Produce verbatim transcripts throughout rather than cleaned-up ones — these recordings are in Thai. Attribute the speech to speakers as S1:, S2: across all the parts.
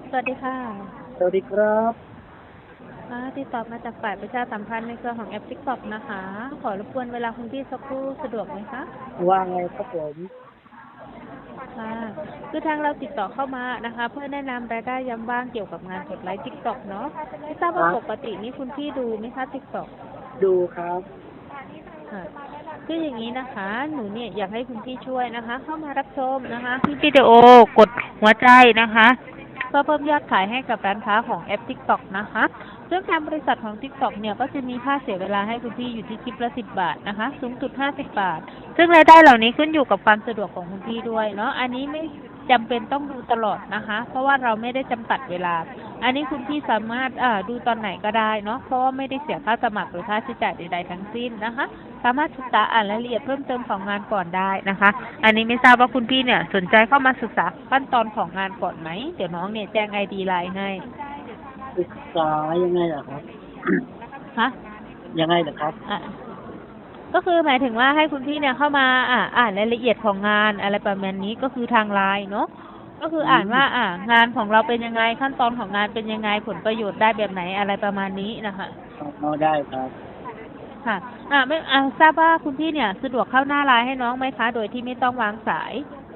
S1: สวัสดีค่ะ
S2: สวัสดีครับ
S1: อ่าติดต่อมาจากฝ่ายประชาสัมพันธ์ในเครือของแอป TikTok นะคะ ขอรบกวนเวลาคุณพี่สักครู่สะดวกไหมคะ
S2: ว่าไงครับผม
S1: ค่ะคือทางเราติดต่อเข้ามานะคะ เพื่อแนะนำรายได้ยามว่างเกี่ยวกับงานกดไลค์ TikTok เนาะไม่ทราบว่าปก
S2: ครับ
S1: ตินี้คุณพี่ดูไหมคะ TikTok
S2: ดูครับ
S1: ค่ะคืออย่างนี้นะคะ หนูเนี่ยอยากให้คุณพี่ช่วยนะคะ เข้ามารับชมนะคะคลิปวิดีโอกดหัวใจนะคะเพื่อเพิ่มยอดขายให้กับร้านค้าของแอป TikTok นะคะซึ่งทางบริษัทของ TikTok เนี่ยก็จะมีค่าเสียเวลาให้คุณพี่อยู่ที่คลิปละสิบบาทนะคะสูงสุดห้าสิบบาทซึ่งรายได้เหล่านี้ขึ้นอยู่กับความสะดวกของคุณพี่ด้วยเนาะอันนี้ไม่จำเป็นต้องดูตลอดนะคะเพราะว่าเราไม่ได้จำกัดเวลาอันนี้คุณพี่สามารถอ่าดูตอนไหนก็ได้เนาะเพราะว่าไม่ได้เสียค่าสมัครหรือค่าใช้จ่ายใดๆทั้งสิ้นนะคะสามารถศึกษาอ่านรายละเอียดเพิ่มเติมของงานก่อนได้นะคะอันนี้ไม่ทราบว่าคุณพี่เนี่ยสนใจเข้ามาศึกษาขั้นตอนของงานก่อนไหมเดี๋ยวน้องเนี่ยแจ้งไอดีไลน์ให้
S2: ศึกษายังไงล่ะครับ
S1: ฮะ
S2: ยังไงล่ะครับ
S1: อ่ะก็คือหมายถึงว่าให้คุณพี่เนี่ยเข้ามาอ่าอ่านรายละเอียดของงานอะไรประมาณนี้ก็คือทางไลน์เนาะก็คือ
S2: อื
S1: อ่าน
S2: ม
S1: ว่าอ่างานของเราเป็นยังไงขั้นตอนของงานเป็นยังไงผลประโยชน์ได้แบบไหนอะไรประมาณนี้นะคะ
S2: อ๋อได้ครับ
S1: ค่ะอ่าไม่อ่าทราบว่าคุณพี่เนี่ยสะดวกเข้าหน้าไลน์ให้น้องไหมคะโดยที่ไม่ต้องวางสาย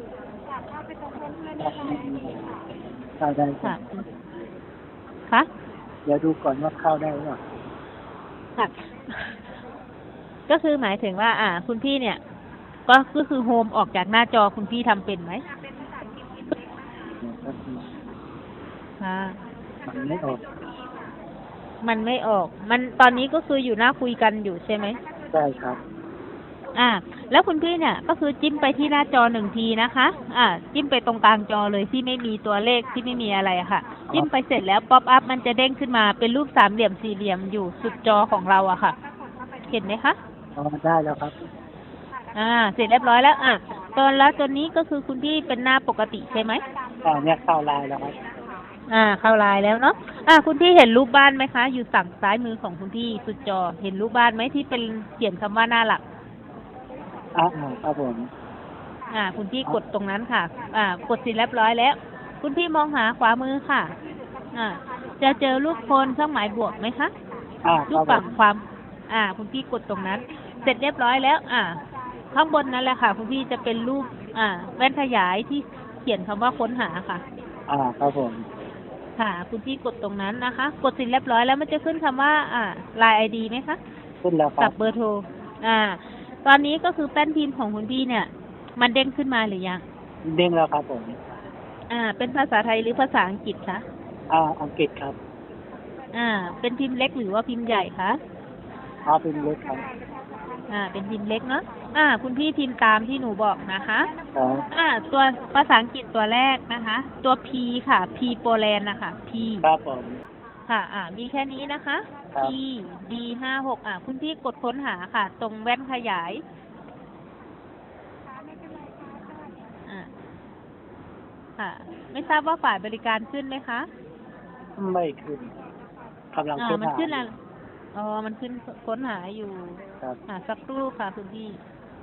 S2: ครับเข้าได้ครั
S1: ค่ะ
S2: บ
S1: ค่ะ
S2: เดี๋ยวดูก่อนว่าเข้าได้หรือเปล่า
S1: ค่ะก็คือหมายถึงว่า อ่า คุณพี่เนี่ย ก็ก็คือโฮมออกจากหน้าจอคุณพี่ทำเป็นไหม
S2: เดี๋ยวแป๊บนึง
S1: ค่ะ
S2: มันไม่ออก
S1: มันไม่ออก มันตอนนี้ก็คืออยู่หน้าคุยกันอยู่ใช่ไหม
S2: ได้ครับ
S1: อ่า แล้วคุณพี่เนี่ยก็คือจิ้มไปที่หน้าจอหนึ่งทีนะคะ อ่า จิ้มไปตรงกลางจอเลยที่ไม่มีตัวเลขที่ไม่มีอะไรอะค่ะ
S2: อ๋อ
S1: จิ้มไปเสร็จแล้วป๊อปอัพมันจะเด้งขึ้นมาเป็นรูปสามเหลี่ยมสี่เหลี่ยมอยู่สุดจอของเราอะค่ะ เห็นไหมคะ
S2: อ๋อได้แล้วครับ
S1: อ่า เสร็จเรียบร้อยแล้ว อ่ะตอนแล้วตัวนี้ก็คือคุณพี่เป็นหน้าปกติใช่ไหม
S2: อ่าเนี่ยเข้าไลน์แล้วครับ
S1: อ่าเข้าไลน์แล้วเนาะอ่าคุณพี่เห็นรูปบ้านไหมคะอยู่ฝั่งซ้ายมือของคุณพี่สุดจอเห็นรูปบ้านไหมที่เป็นเขียนคำว่าหน้าหลัก
S2: อ่าอ่าครับผม
S1: อ่าคุณพี่
S2: อ๋อ
S1: กดตรงนั้นค่ะอ่ากดเสร็จเรียบร้อยแล้ว คุณพี่มองหาขวามือค่ะอ่าจะเจอรูปคนเครื่องหมายบวกไหมคะ
S2: อ่าค
S1: รูป
S2: รับผม
S1: ฝั่งความอ่าคุณพี่กดตรงนั้น เสร็จเรียบร้อยแล้ว อ่าข้างบนนั่นแหละค่ะคุณพี่จะเป็นรูปอ่าแว่นขยายที่เขียนคำว่าค้นหาค่ะ
S2: อ่าครับผม
S1: ค่ะคุณพี่กดตรงนั้นนะคะกดเสร็จเรียบร้อยแล้วมันจะขึ้นคำว่าอ่า ไลน์ ไอ ดี ไหมคะ
S2: ขึ้นแล้วครับ
S1: กับเบอร์โทรอ่าตอนนี้ก็คือแป้นพิมพ์ของคุณพี่เนี่ยมันเด้งขึ้นมาหรือยัง
S2: เด้งแล้วครับผม
S1: อ่าเป็นภาษาไทยหรือภาษาอังกฤษคะ
S2: อ่าอังกฤษครับ
S1: อ่าเป็นพิมพ์เล็กหรือว่าพิมพ์ใหญ่คะ
S2: อ๋อเป็นเล็กครับ
S1: อ่าเป็นพิมพ์เล็กเนาะอ่าคุณพี่พิมพ์ตามที่หนูบอกนะคะ
S2: อ๋อ
S1: อ่าตัวภาษาอังกฤษตัวแรกนะคะตัว P ค่ะ P โปแลนด์นะคะ P
S2: ครับผม
S1: ค่ะ อ่า มีแค่นี้นะคะ
S2: ครั
S1: P
S2: บ
S1: D ห้าหกอ่าคุณพี่กดค้นหาค่ะ ตรงแว่นขยาย อ่า ค่ะ ไม่ทราบว่าฝ่ายบริการขึ้นไหมคะ
S2: ไม่ขึ้นกำลัง
S1: อ่า
S2: ค้น
S1: มันขึ้นอะ
S2: หาอยู่
S1: อ๋อ มันขึ้นค้นหาอยู่
S2: ครับ
S1: อ่า สักครู่ค่ะคุณพี่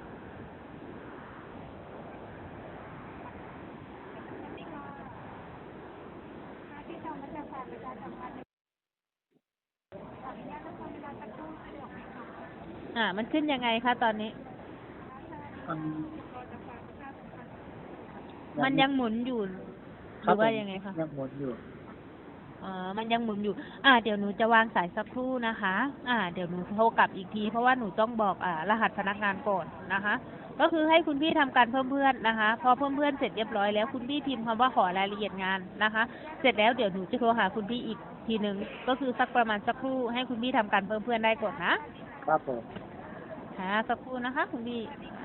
S1: อ่า มันขึ้นยังไงคะตอนนี้
S2: อืม
S1: มันยังหมุนอยู่ หรือว่า
S2: ครับผม
S1: ยังไงคะ
S2: ยังหมุนอยู่
S1: อ๋อมันยังหมุนอยู่ อ่า เดี๋ยวหนูจะวางสายสักครู่นะคะ อ่า เดี๋ยวหนูโทรกลับอีกที เพราะว่าหนูต้องบอก อ่า รหัสพนักงานก่อนนะคะ ก็คือให้คุณพี่ทำการเพิ่มเพื่อนนะคะ พอเพิ่มเพื่อนเสร็จเรียบร้อยแล้วคุณพี่พิมพ์คำว่าขอรายละเอียดงานนะคะ เสร็จแล้วเดี๋ยวหนูจะโทรหาคุณพี่อีกทีหนึ่งก็คือสักประมาณสักครู่ให้คุณพี่ทำการเพิ่มเพื่อนได้ก่อนนะ
S2: ครับผม
S1: ค่ะสักครู่นะคะคุณพี่